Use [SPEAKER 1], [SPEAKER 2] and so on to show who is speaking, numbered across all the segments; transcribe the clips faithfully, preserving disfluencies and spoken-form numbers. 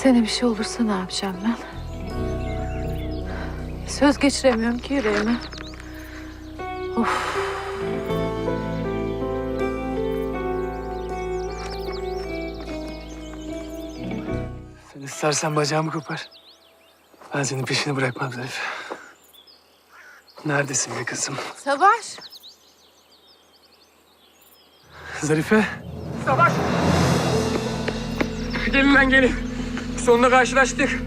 [SPEAKER 1] Sana bir şey olursa ne yapacağım ben? Söz geçiremiyorum ki yüreğime. Of.
[SPEAKER 2] Sen istersen bacağımı kopar. Ben senin peşini bırakmam Zarife. Neredesin be kızım?
[SPEAKER 1] Savaş.
[SPEAKER 2] Zarife.
[SPEAKER 3] Savaş! Gelin lan gelin. Sonunda karşılaştık.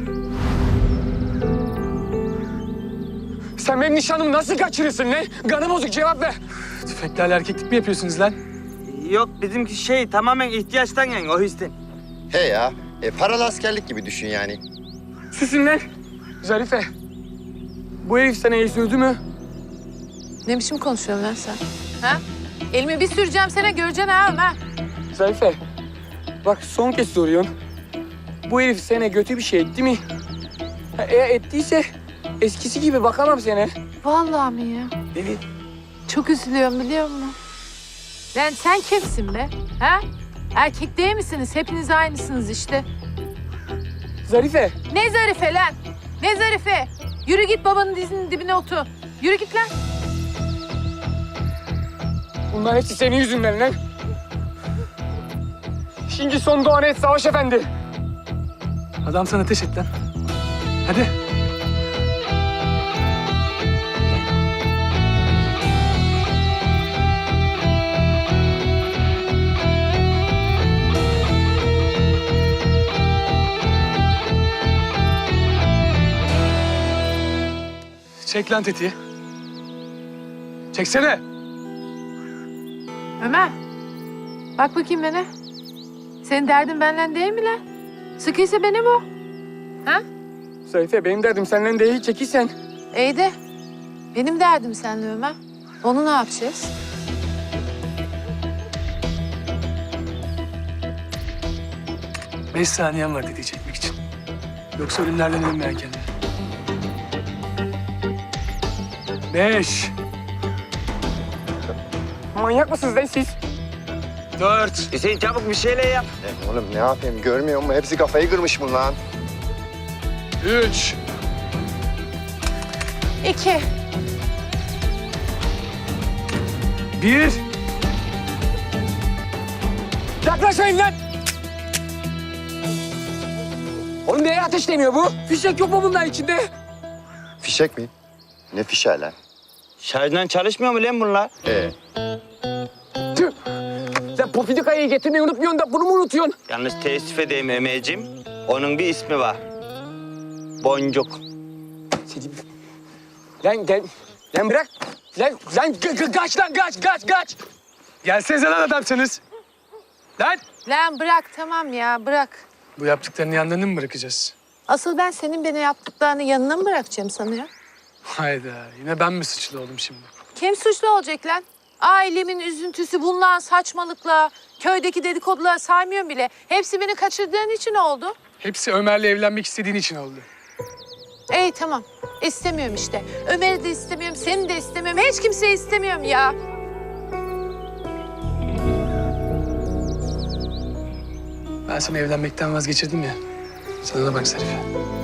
[SPEAKER 3] Sen benim nişanımı nasıl kaçırırsın lan? Kanı bozuk, cevap ver.
[SPEAKER 2] Tüfeklerle erkeklik mi yapıyorsunuz lan?
[SPEAKER 4] Yok bizimki şey tamamen ihtiyaçtan yani o yüzden.
[SPEAKER 5] He ya, e, paralı askerlik gibi düşün yani.
[SPEAKER 3] Susun lan. Zarife. Bu herif sana iyi sövdü mü?
[SPEAKER 1] Ne biçim konuşuyorsun lan sen? Ha? Elimi bir süreceğim sana, göreceksin ha Ömer.
[SPEAKER 3] Zarife. Bak son kez soruyorum. Bu herif sana kötü bir şey etti mi? Ha, eğer ettiyse eskisi gibi bakamam sana.
[SPEAKER 1] Vallahi mi ya?
[SPEAKER 3] Evet.
[SPEAKER 1] Çok üzülüyorum biliyor musun? Lan sen kimsin be? Ha? Erkek değil misiniz? Hepiniz aynısınız işte.
[SPEAKER 3] Zarife.
[SPEAKER 1] Ne zarife lan? Ne zarife? Yürü git babanın dizinin dibine otur. Yürü git lan.
[SPEAKER 3] Bunlar hepsi senin yüzünden lan. Şimdi son doğan et Savaş Efendi.
[SPEAKER 2] Adam sana ateş et lan. Hadi. Çek lan tetiği. Çeksene.
[SPEAKER 1] Ömer. Bak bakayım bana. Senin derdin benden değil mi lan? Sıkıysa beni bu. Ha?
[SPEAKER 3] Zarife benim derdim senden değil, çekilsen.
[SPEAKER 1] İyi de benim derdim seninle Ömer. Onu ne yapacağız?
[SPEAKER 2] Beş saniyen var tetiği çekmek için. Yoksa ölümlerden ölmeyen kendini. Beş.
[SPEAKER 3] Manyak mısınız lan siz?
[SPEAKER 2] Dört.
[SPEAKER 4] Hüseyin çabuk bir şeyler yap.
[SPEAKER 5] E, oğlum ne yapayım görmüyor musun? Hepsi kafayı kırmış bunlar.
[SPEAKER 2] Üç.
[SPEAKER 1] İki.
[SPEAKER 2] Bir.
[SPEAKER 3] Yaklaşmayın lan! Oğlum neye ateşleniyor bu? Fişek yok mu bunların içinde?
[SPEAKER 5] Fişek mi? Ne fişeği lan?
[SPEAKER 4] Şarjdan çalışmıyor mu lan bunlar?
[SPEAKER 5] E,
[SPEAKER 3] Tüh! Sen Pofidika'yı getirmeyi unutmuyorsun da bunu mu unutuyorsun?
[SPEAKER 4] Yalnız teessüf edeyim Ömerciğim. Onun bir ismi var. Boncuk.
[SPEAKER 3] Seni... Lan gel. Lan bırak. Lan, lan ka- ka- kaç lan kaç kaç kaç.
[SPEAKER 2] Gelsenize lan adamsınız. Lan.
[SPEAKER 1] Lan bırak tamam ya bırak.
[SPEAKER 2] Bu yaptıklarını yanlarını mı bırakacağız?
[SPEAKER 1] Asıl ben senin bana yaptıklarını yanına mı bırakacağım sanıyor?
[SPEAKER 2] Hayda. Yine ben mi suçlu oldum şimdi?
[SPEAKER 1] Kim suçlu olacak lan? Ailemin üzüntüsü, bundan saçmalıkla, köydeki dedikoduları saymıyorum bile. Hepsi beni kaçırdığın için oldu.
[SPEAKER 2] Hepsi Ömer'le evlenmek istediğin için oldu.
[SPEAKER 1] İyi tamam. İstemiyorum işte. Ömer'i de istemiyorum, seni de istemiyorum. Hiç kimseyi istemiyorum ya.
[SPEAKER 2] Ben seni evlenmekten vazgeçirdim ya. Sana da bak Zarife.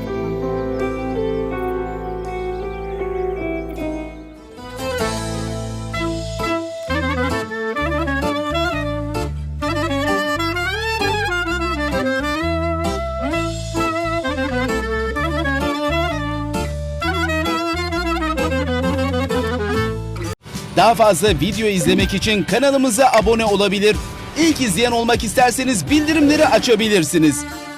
[SPEAKER 6] Daha fazla video izlemek için kanalımıza abone olabilir. İlk izleyen olmak isterseniz bildirimleri açabilirsiniz.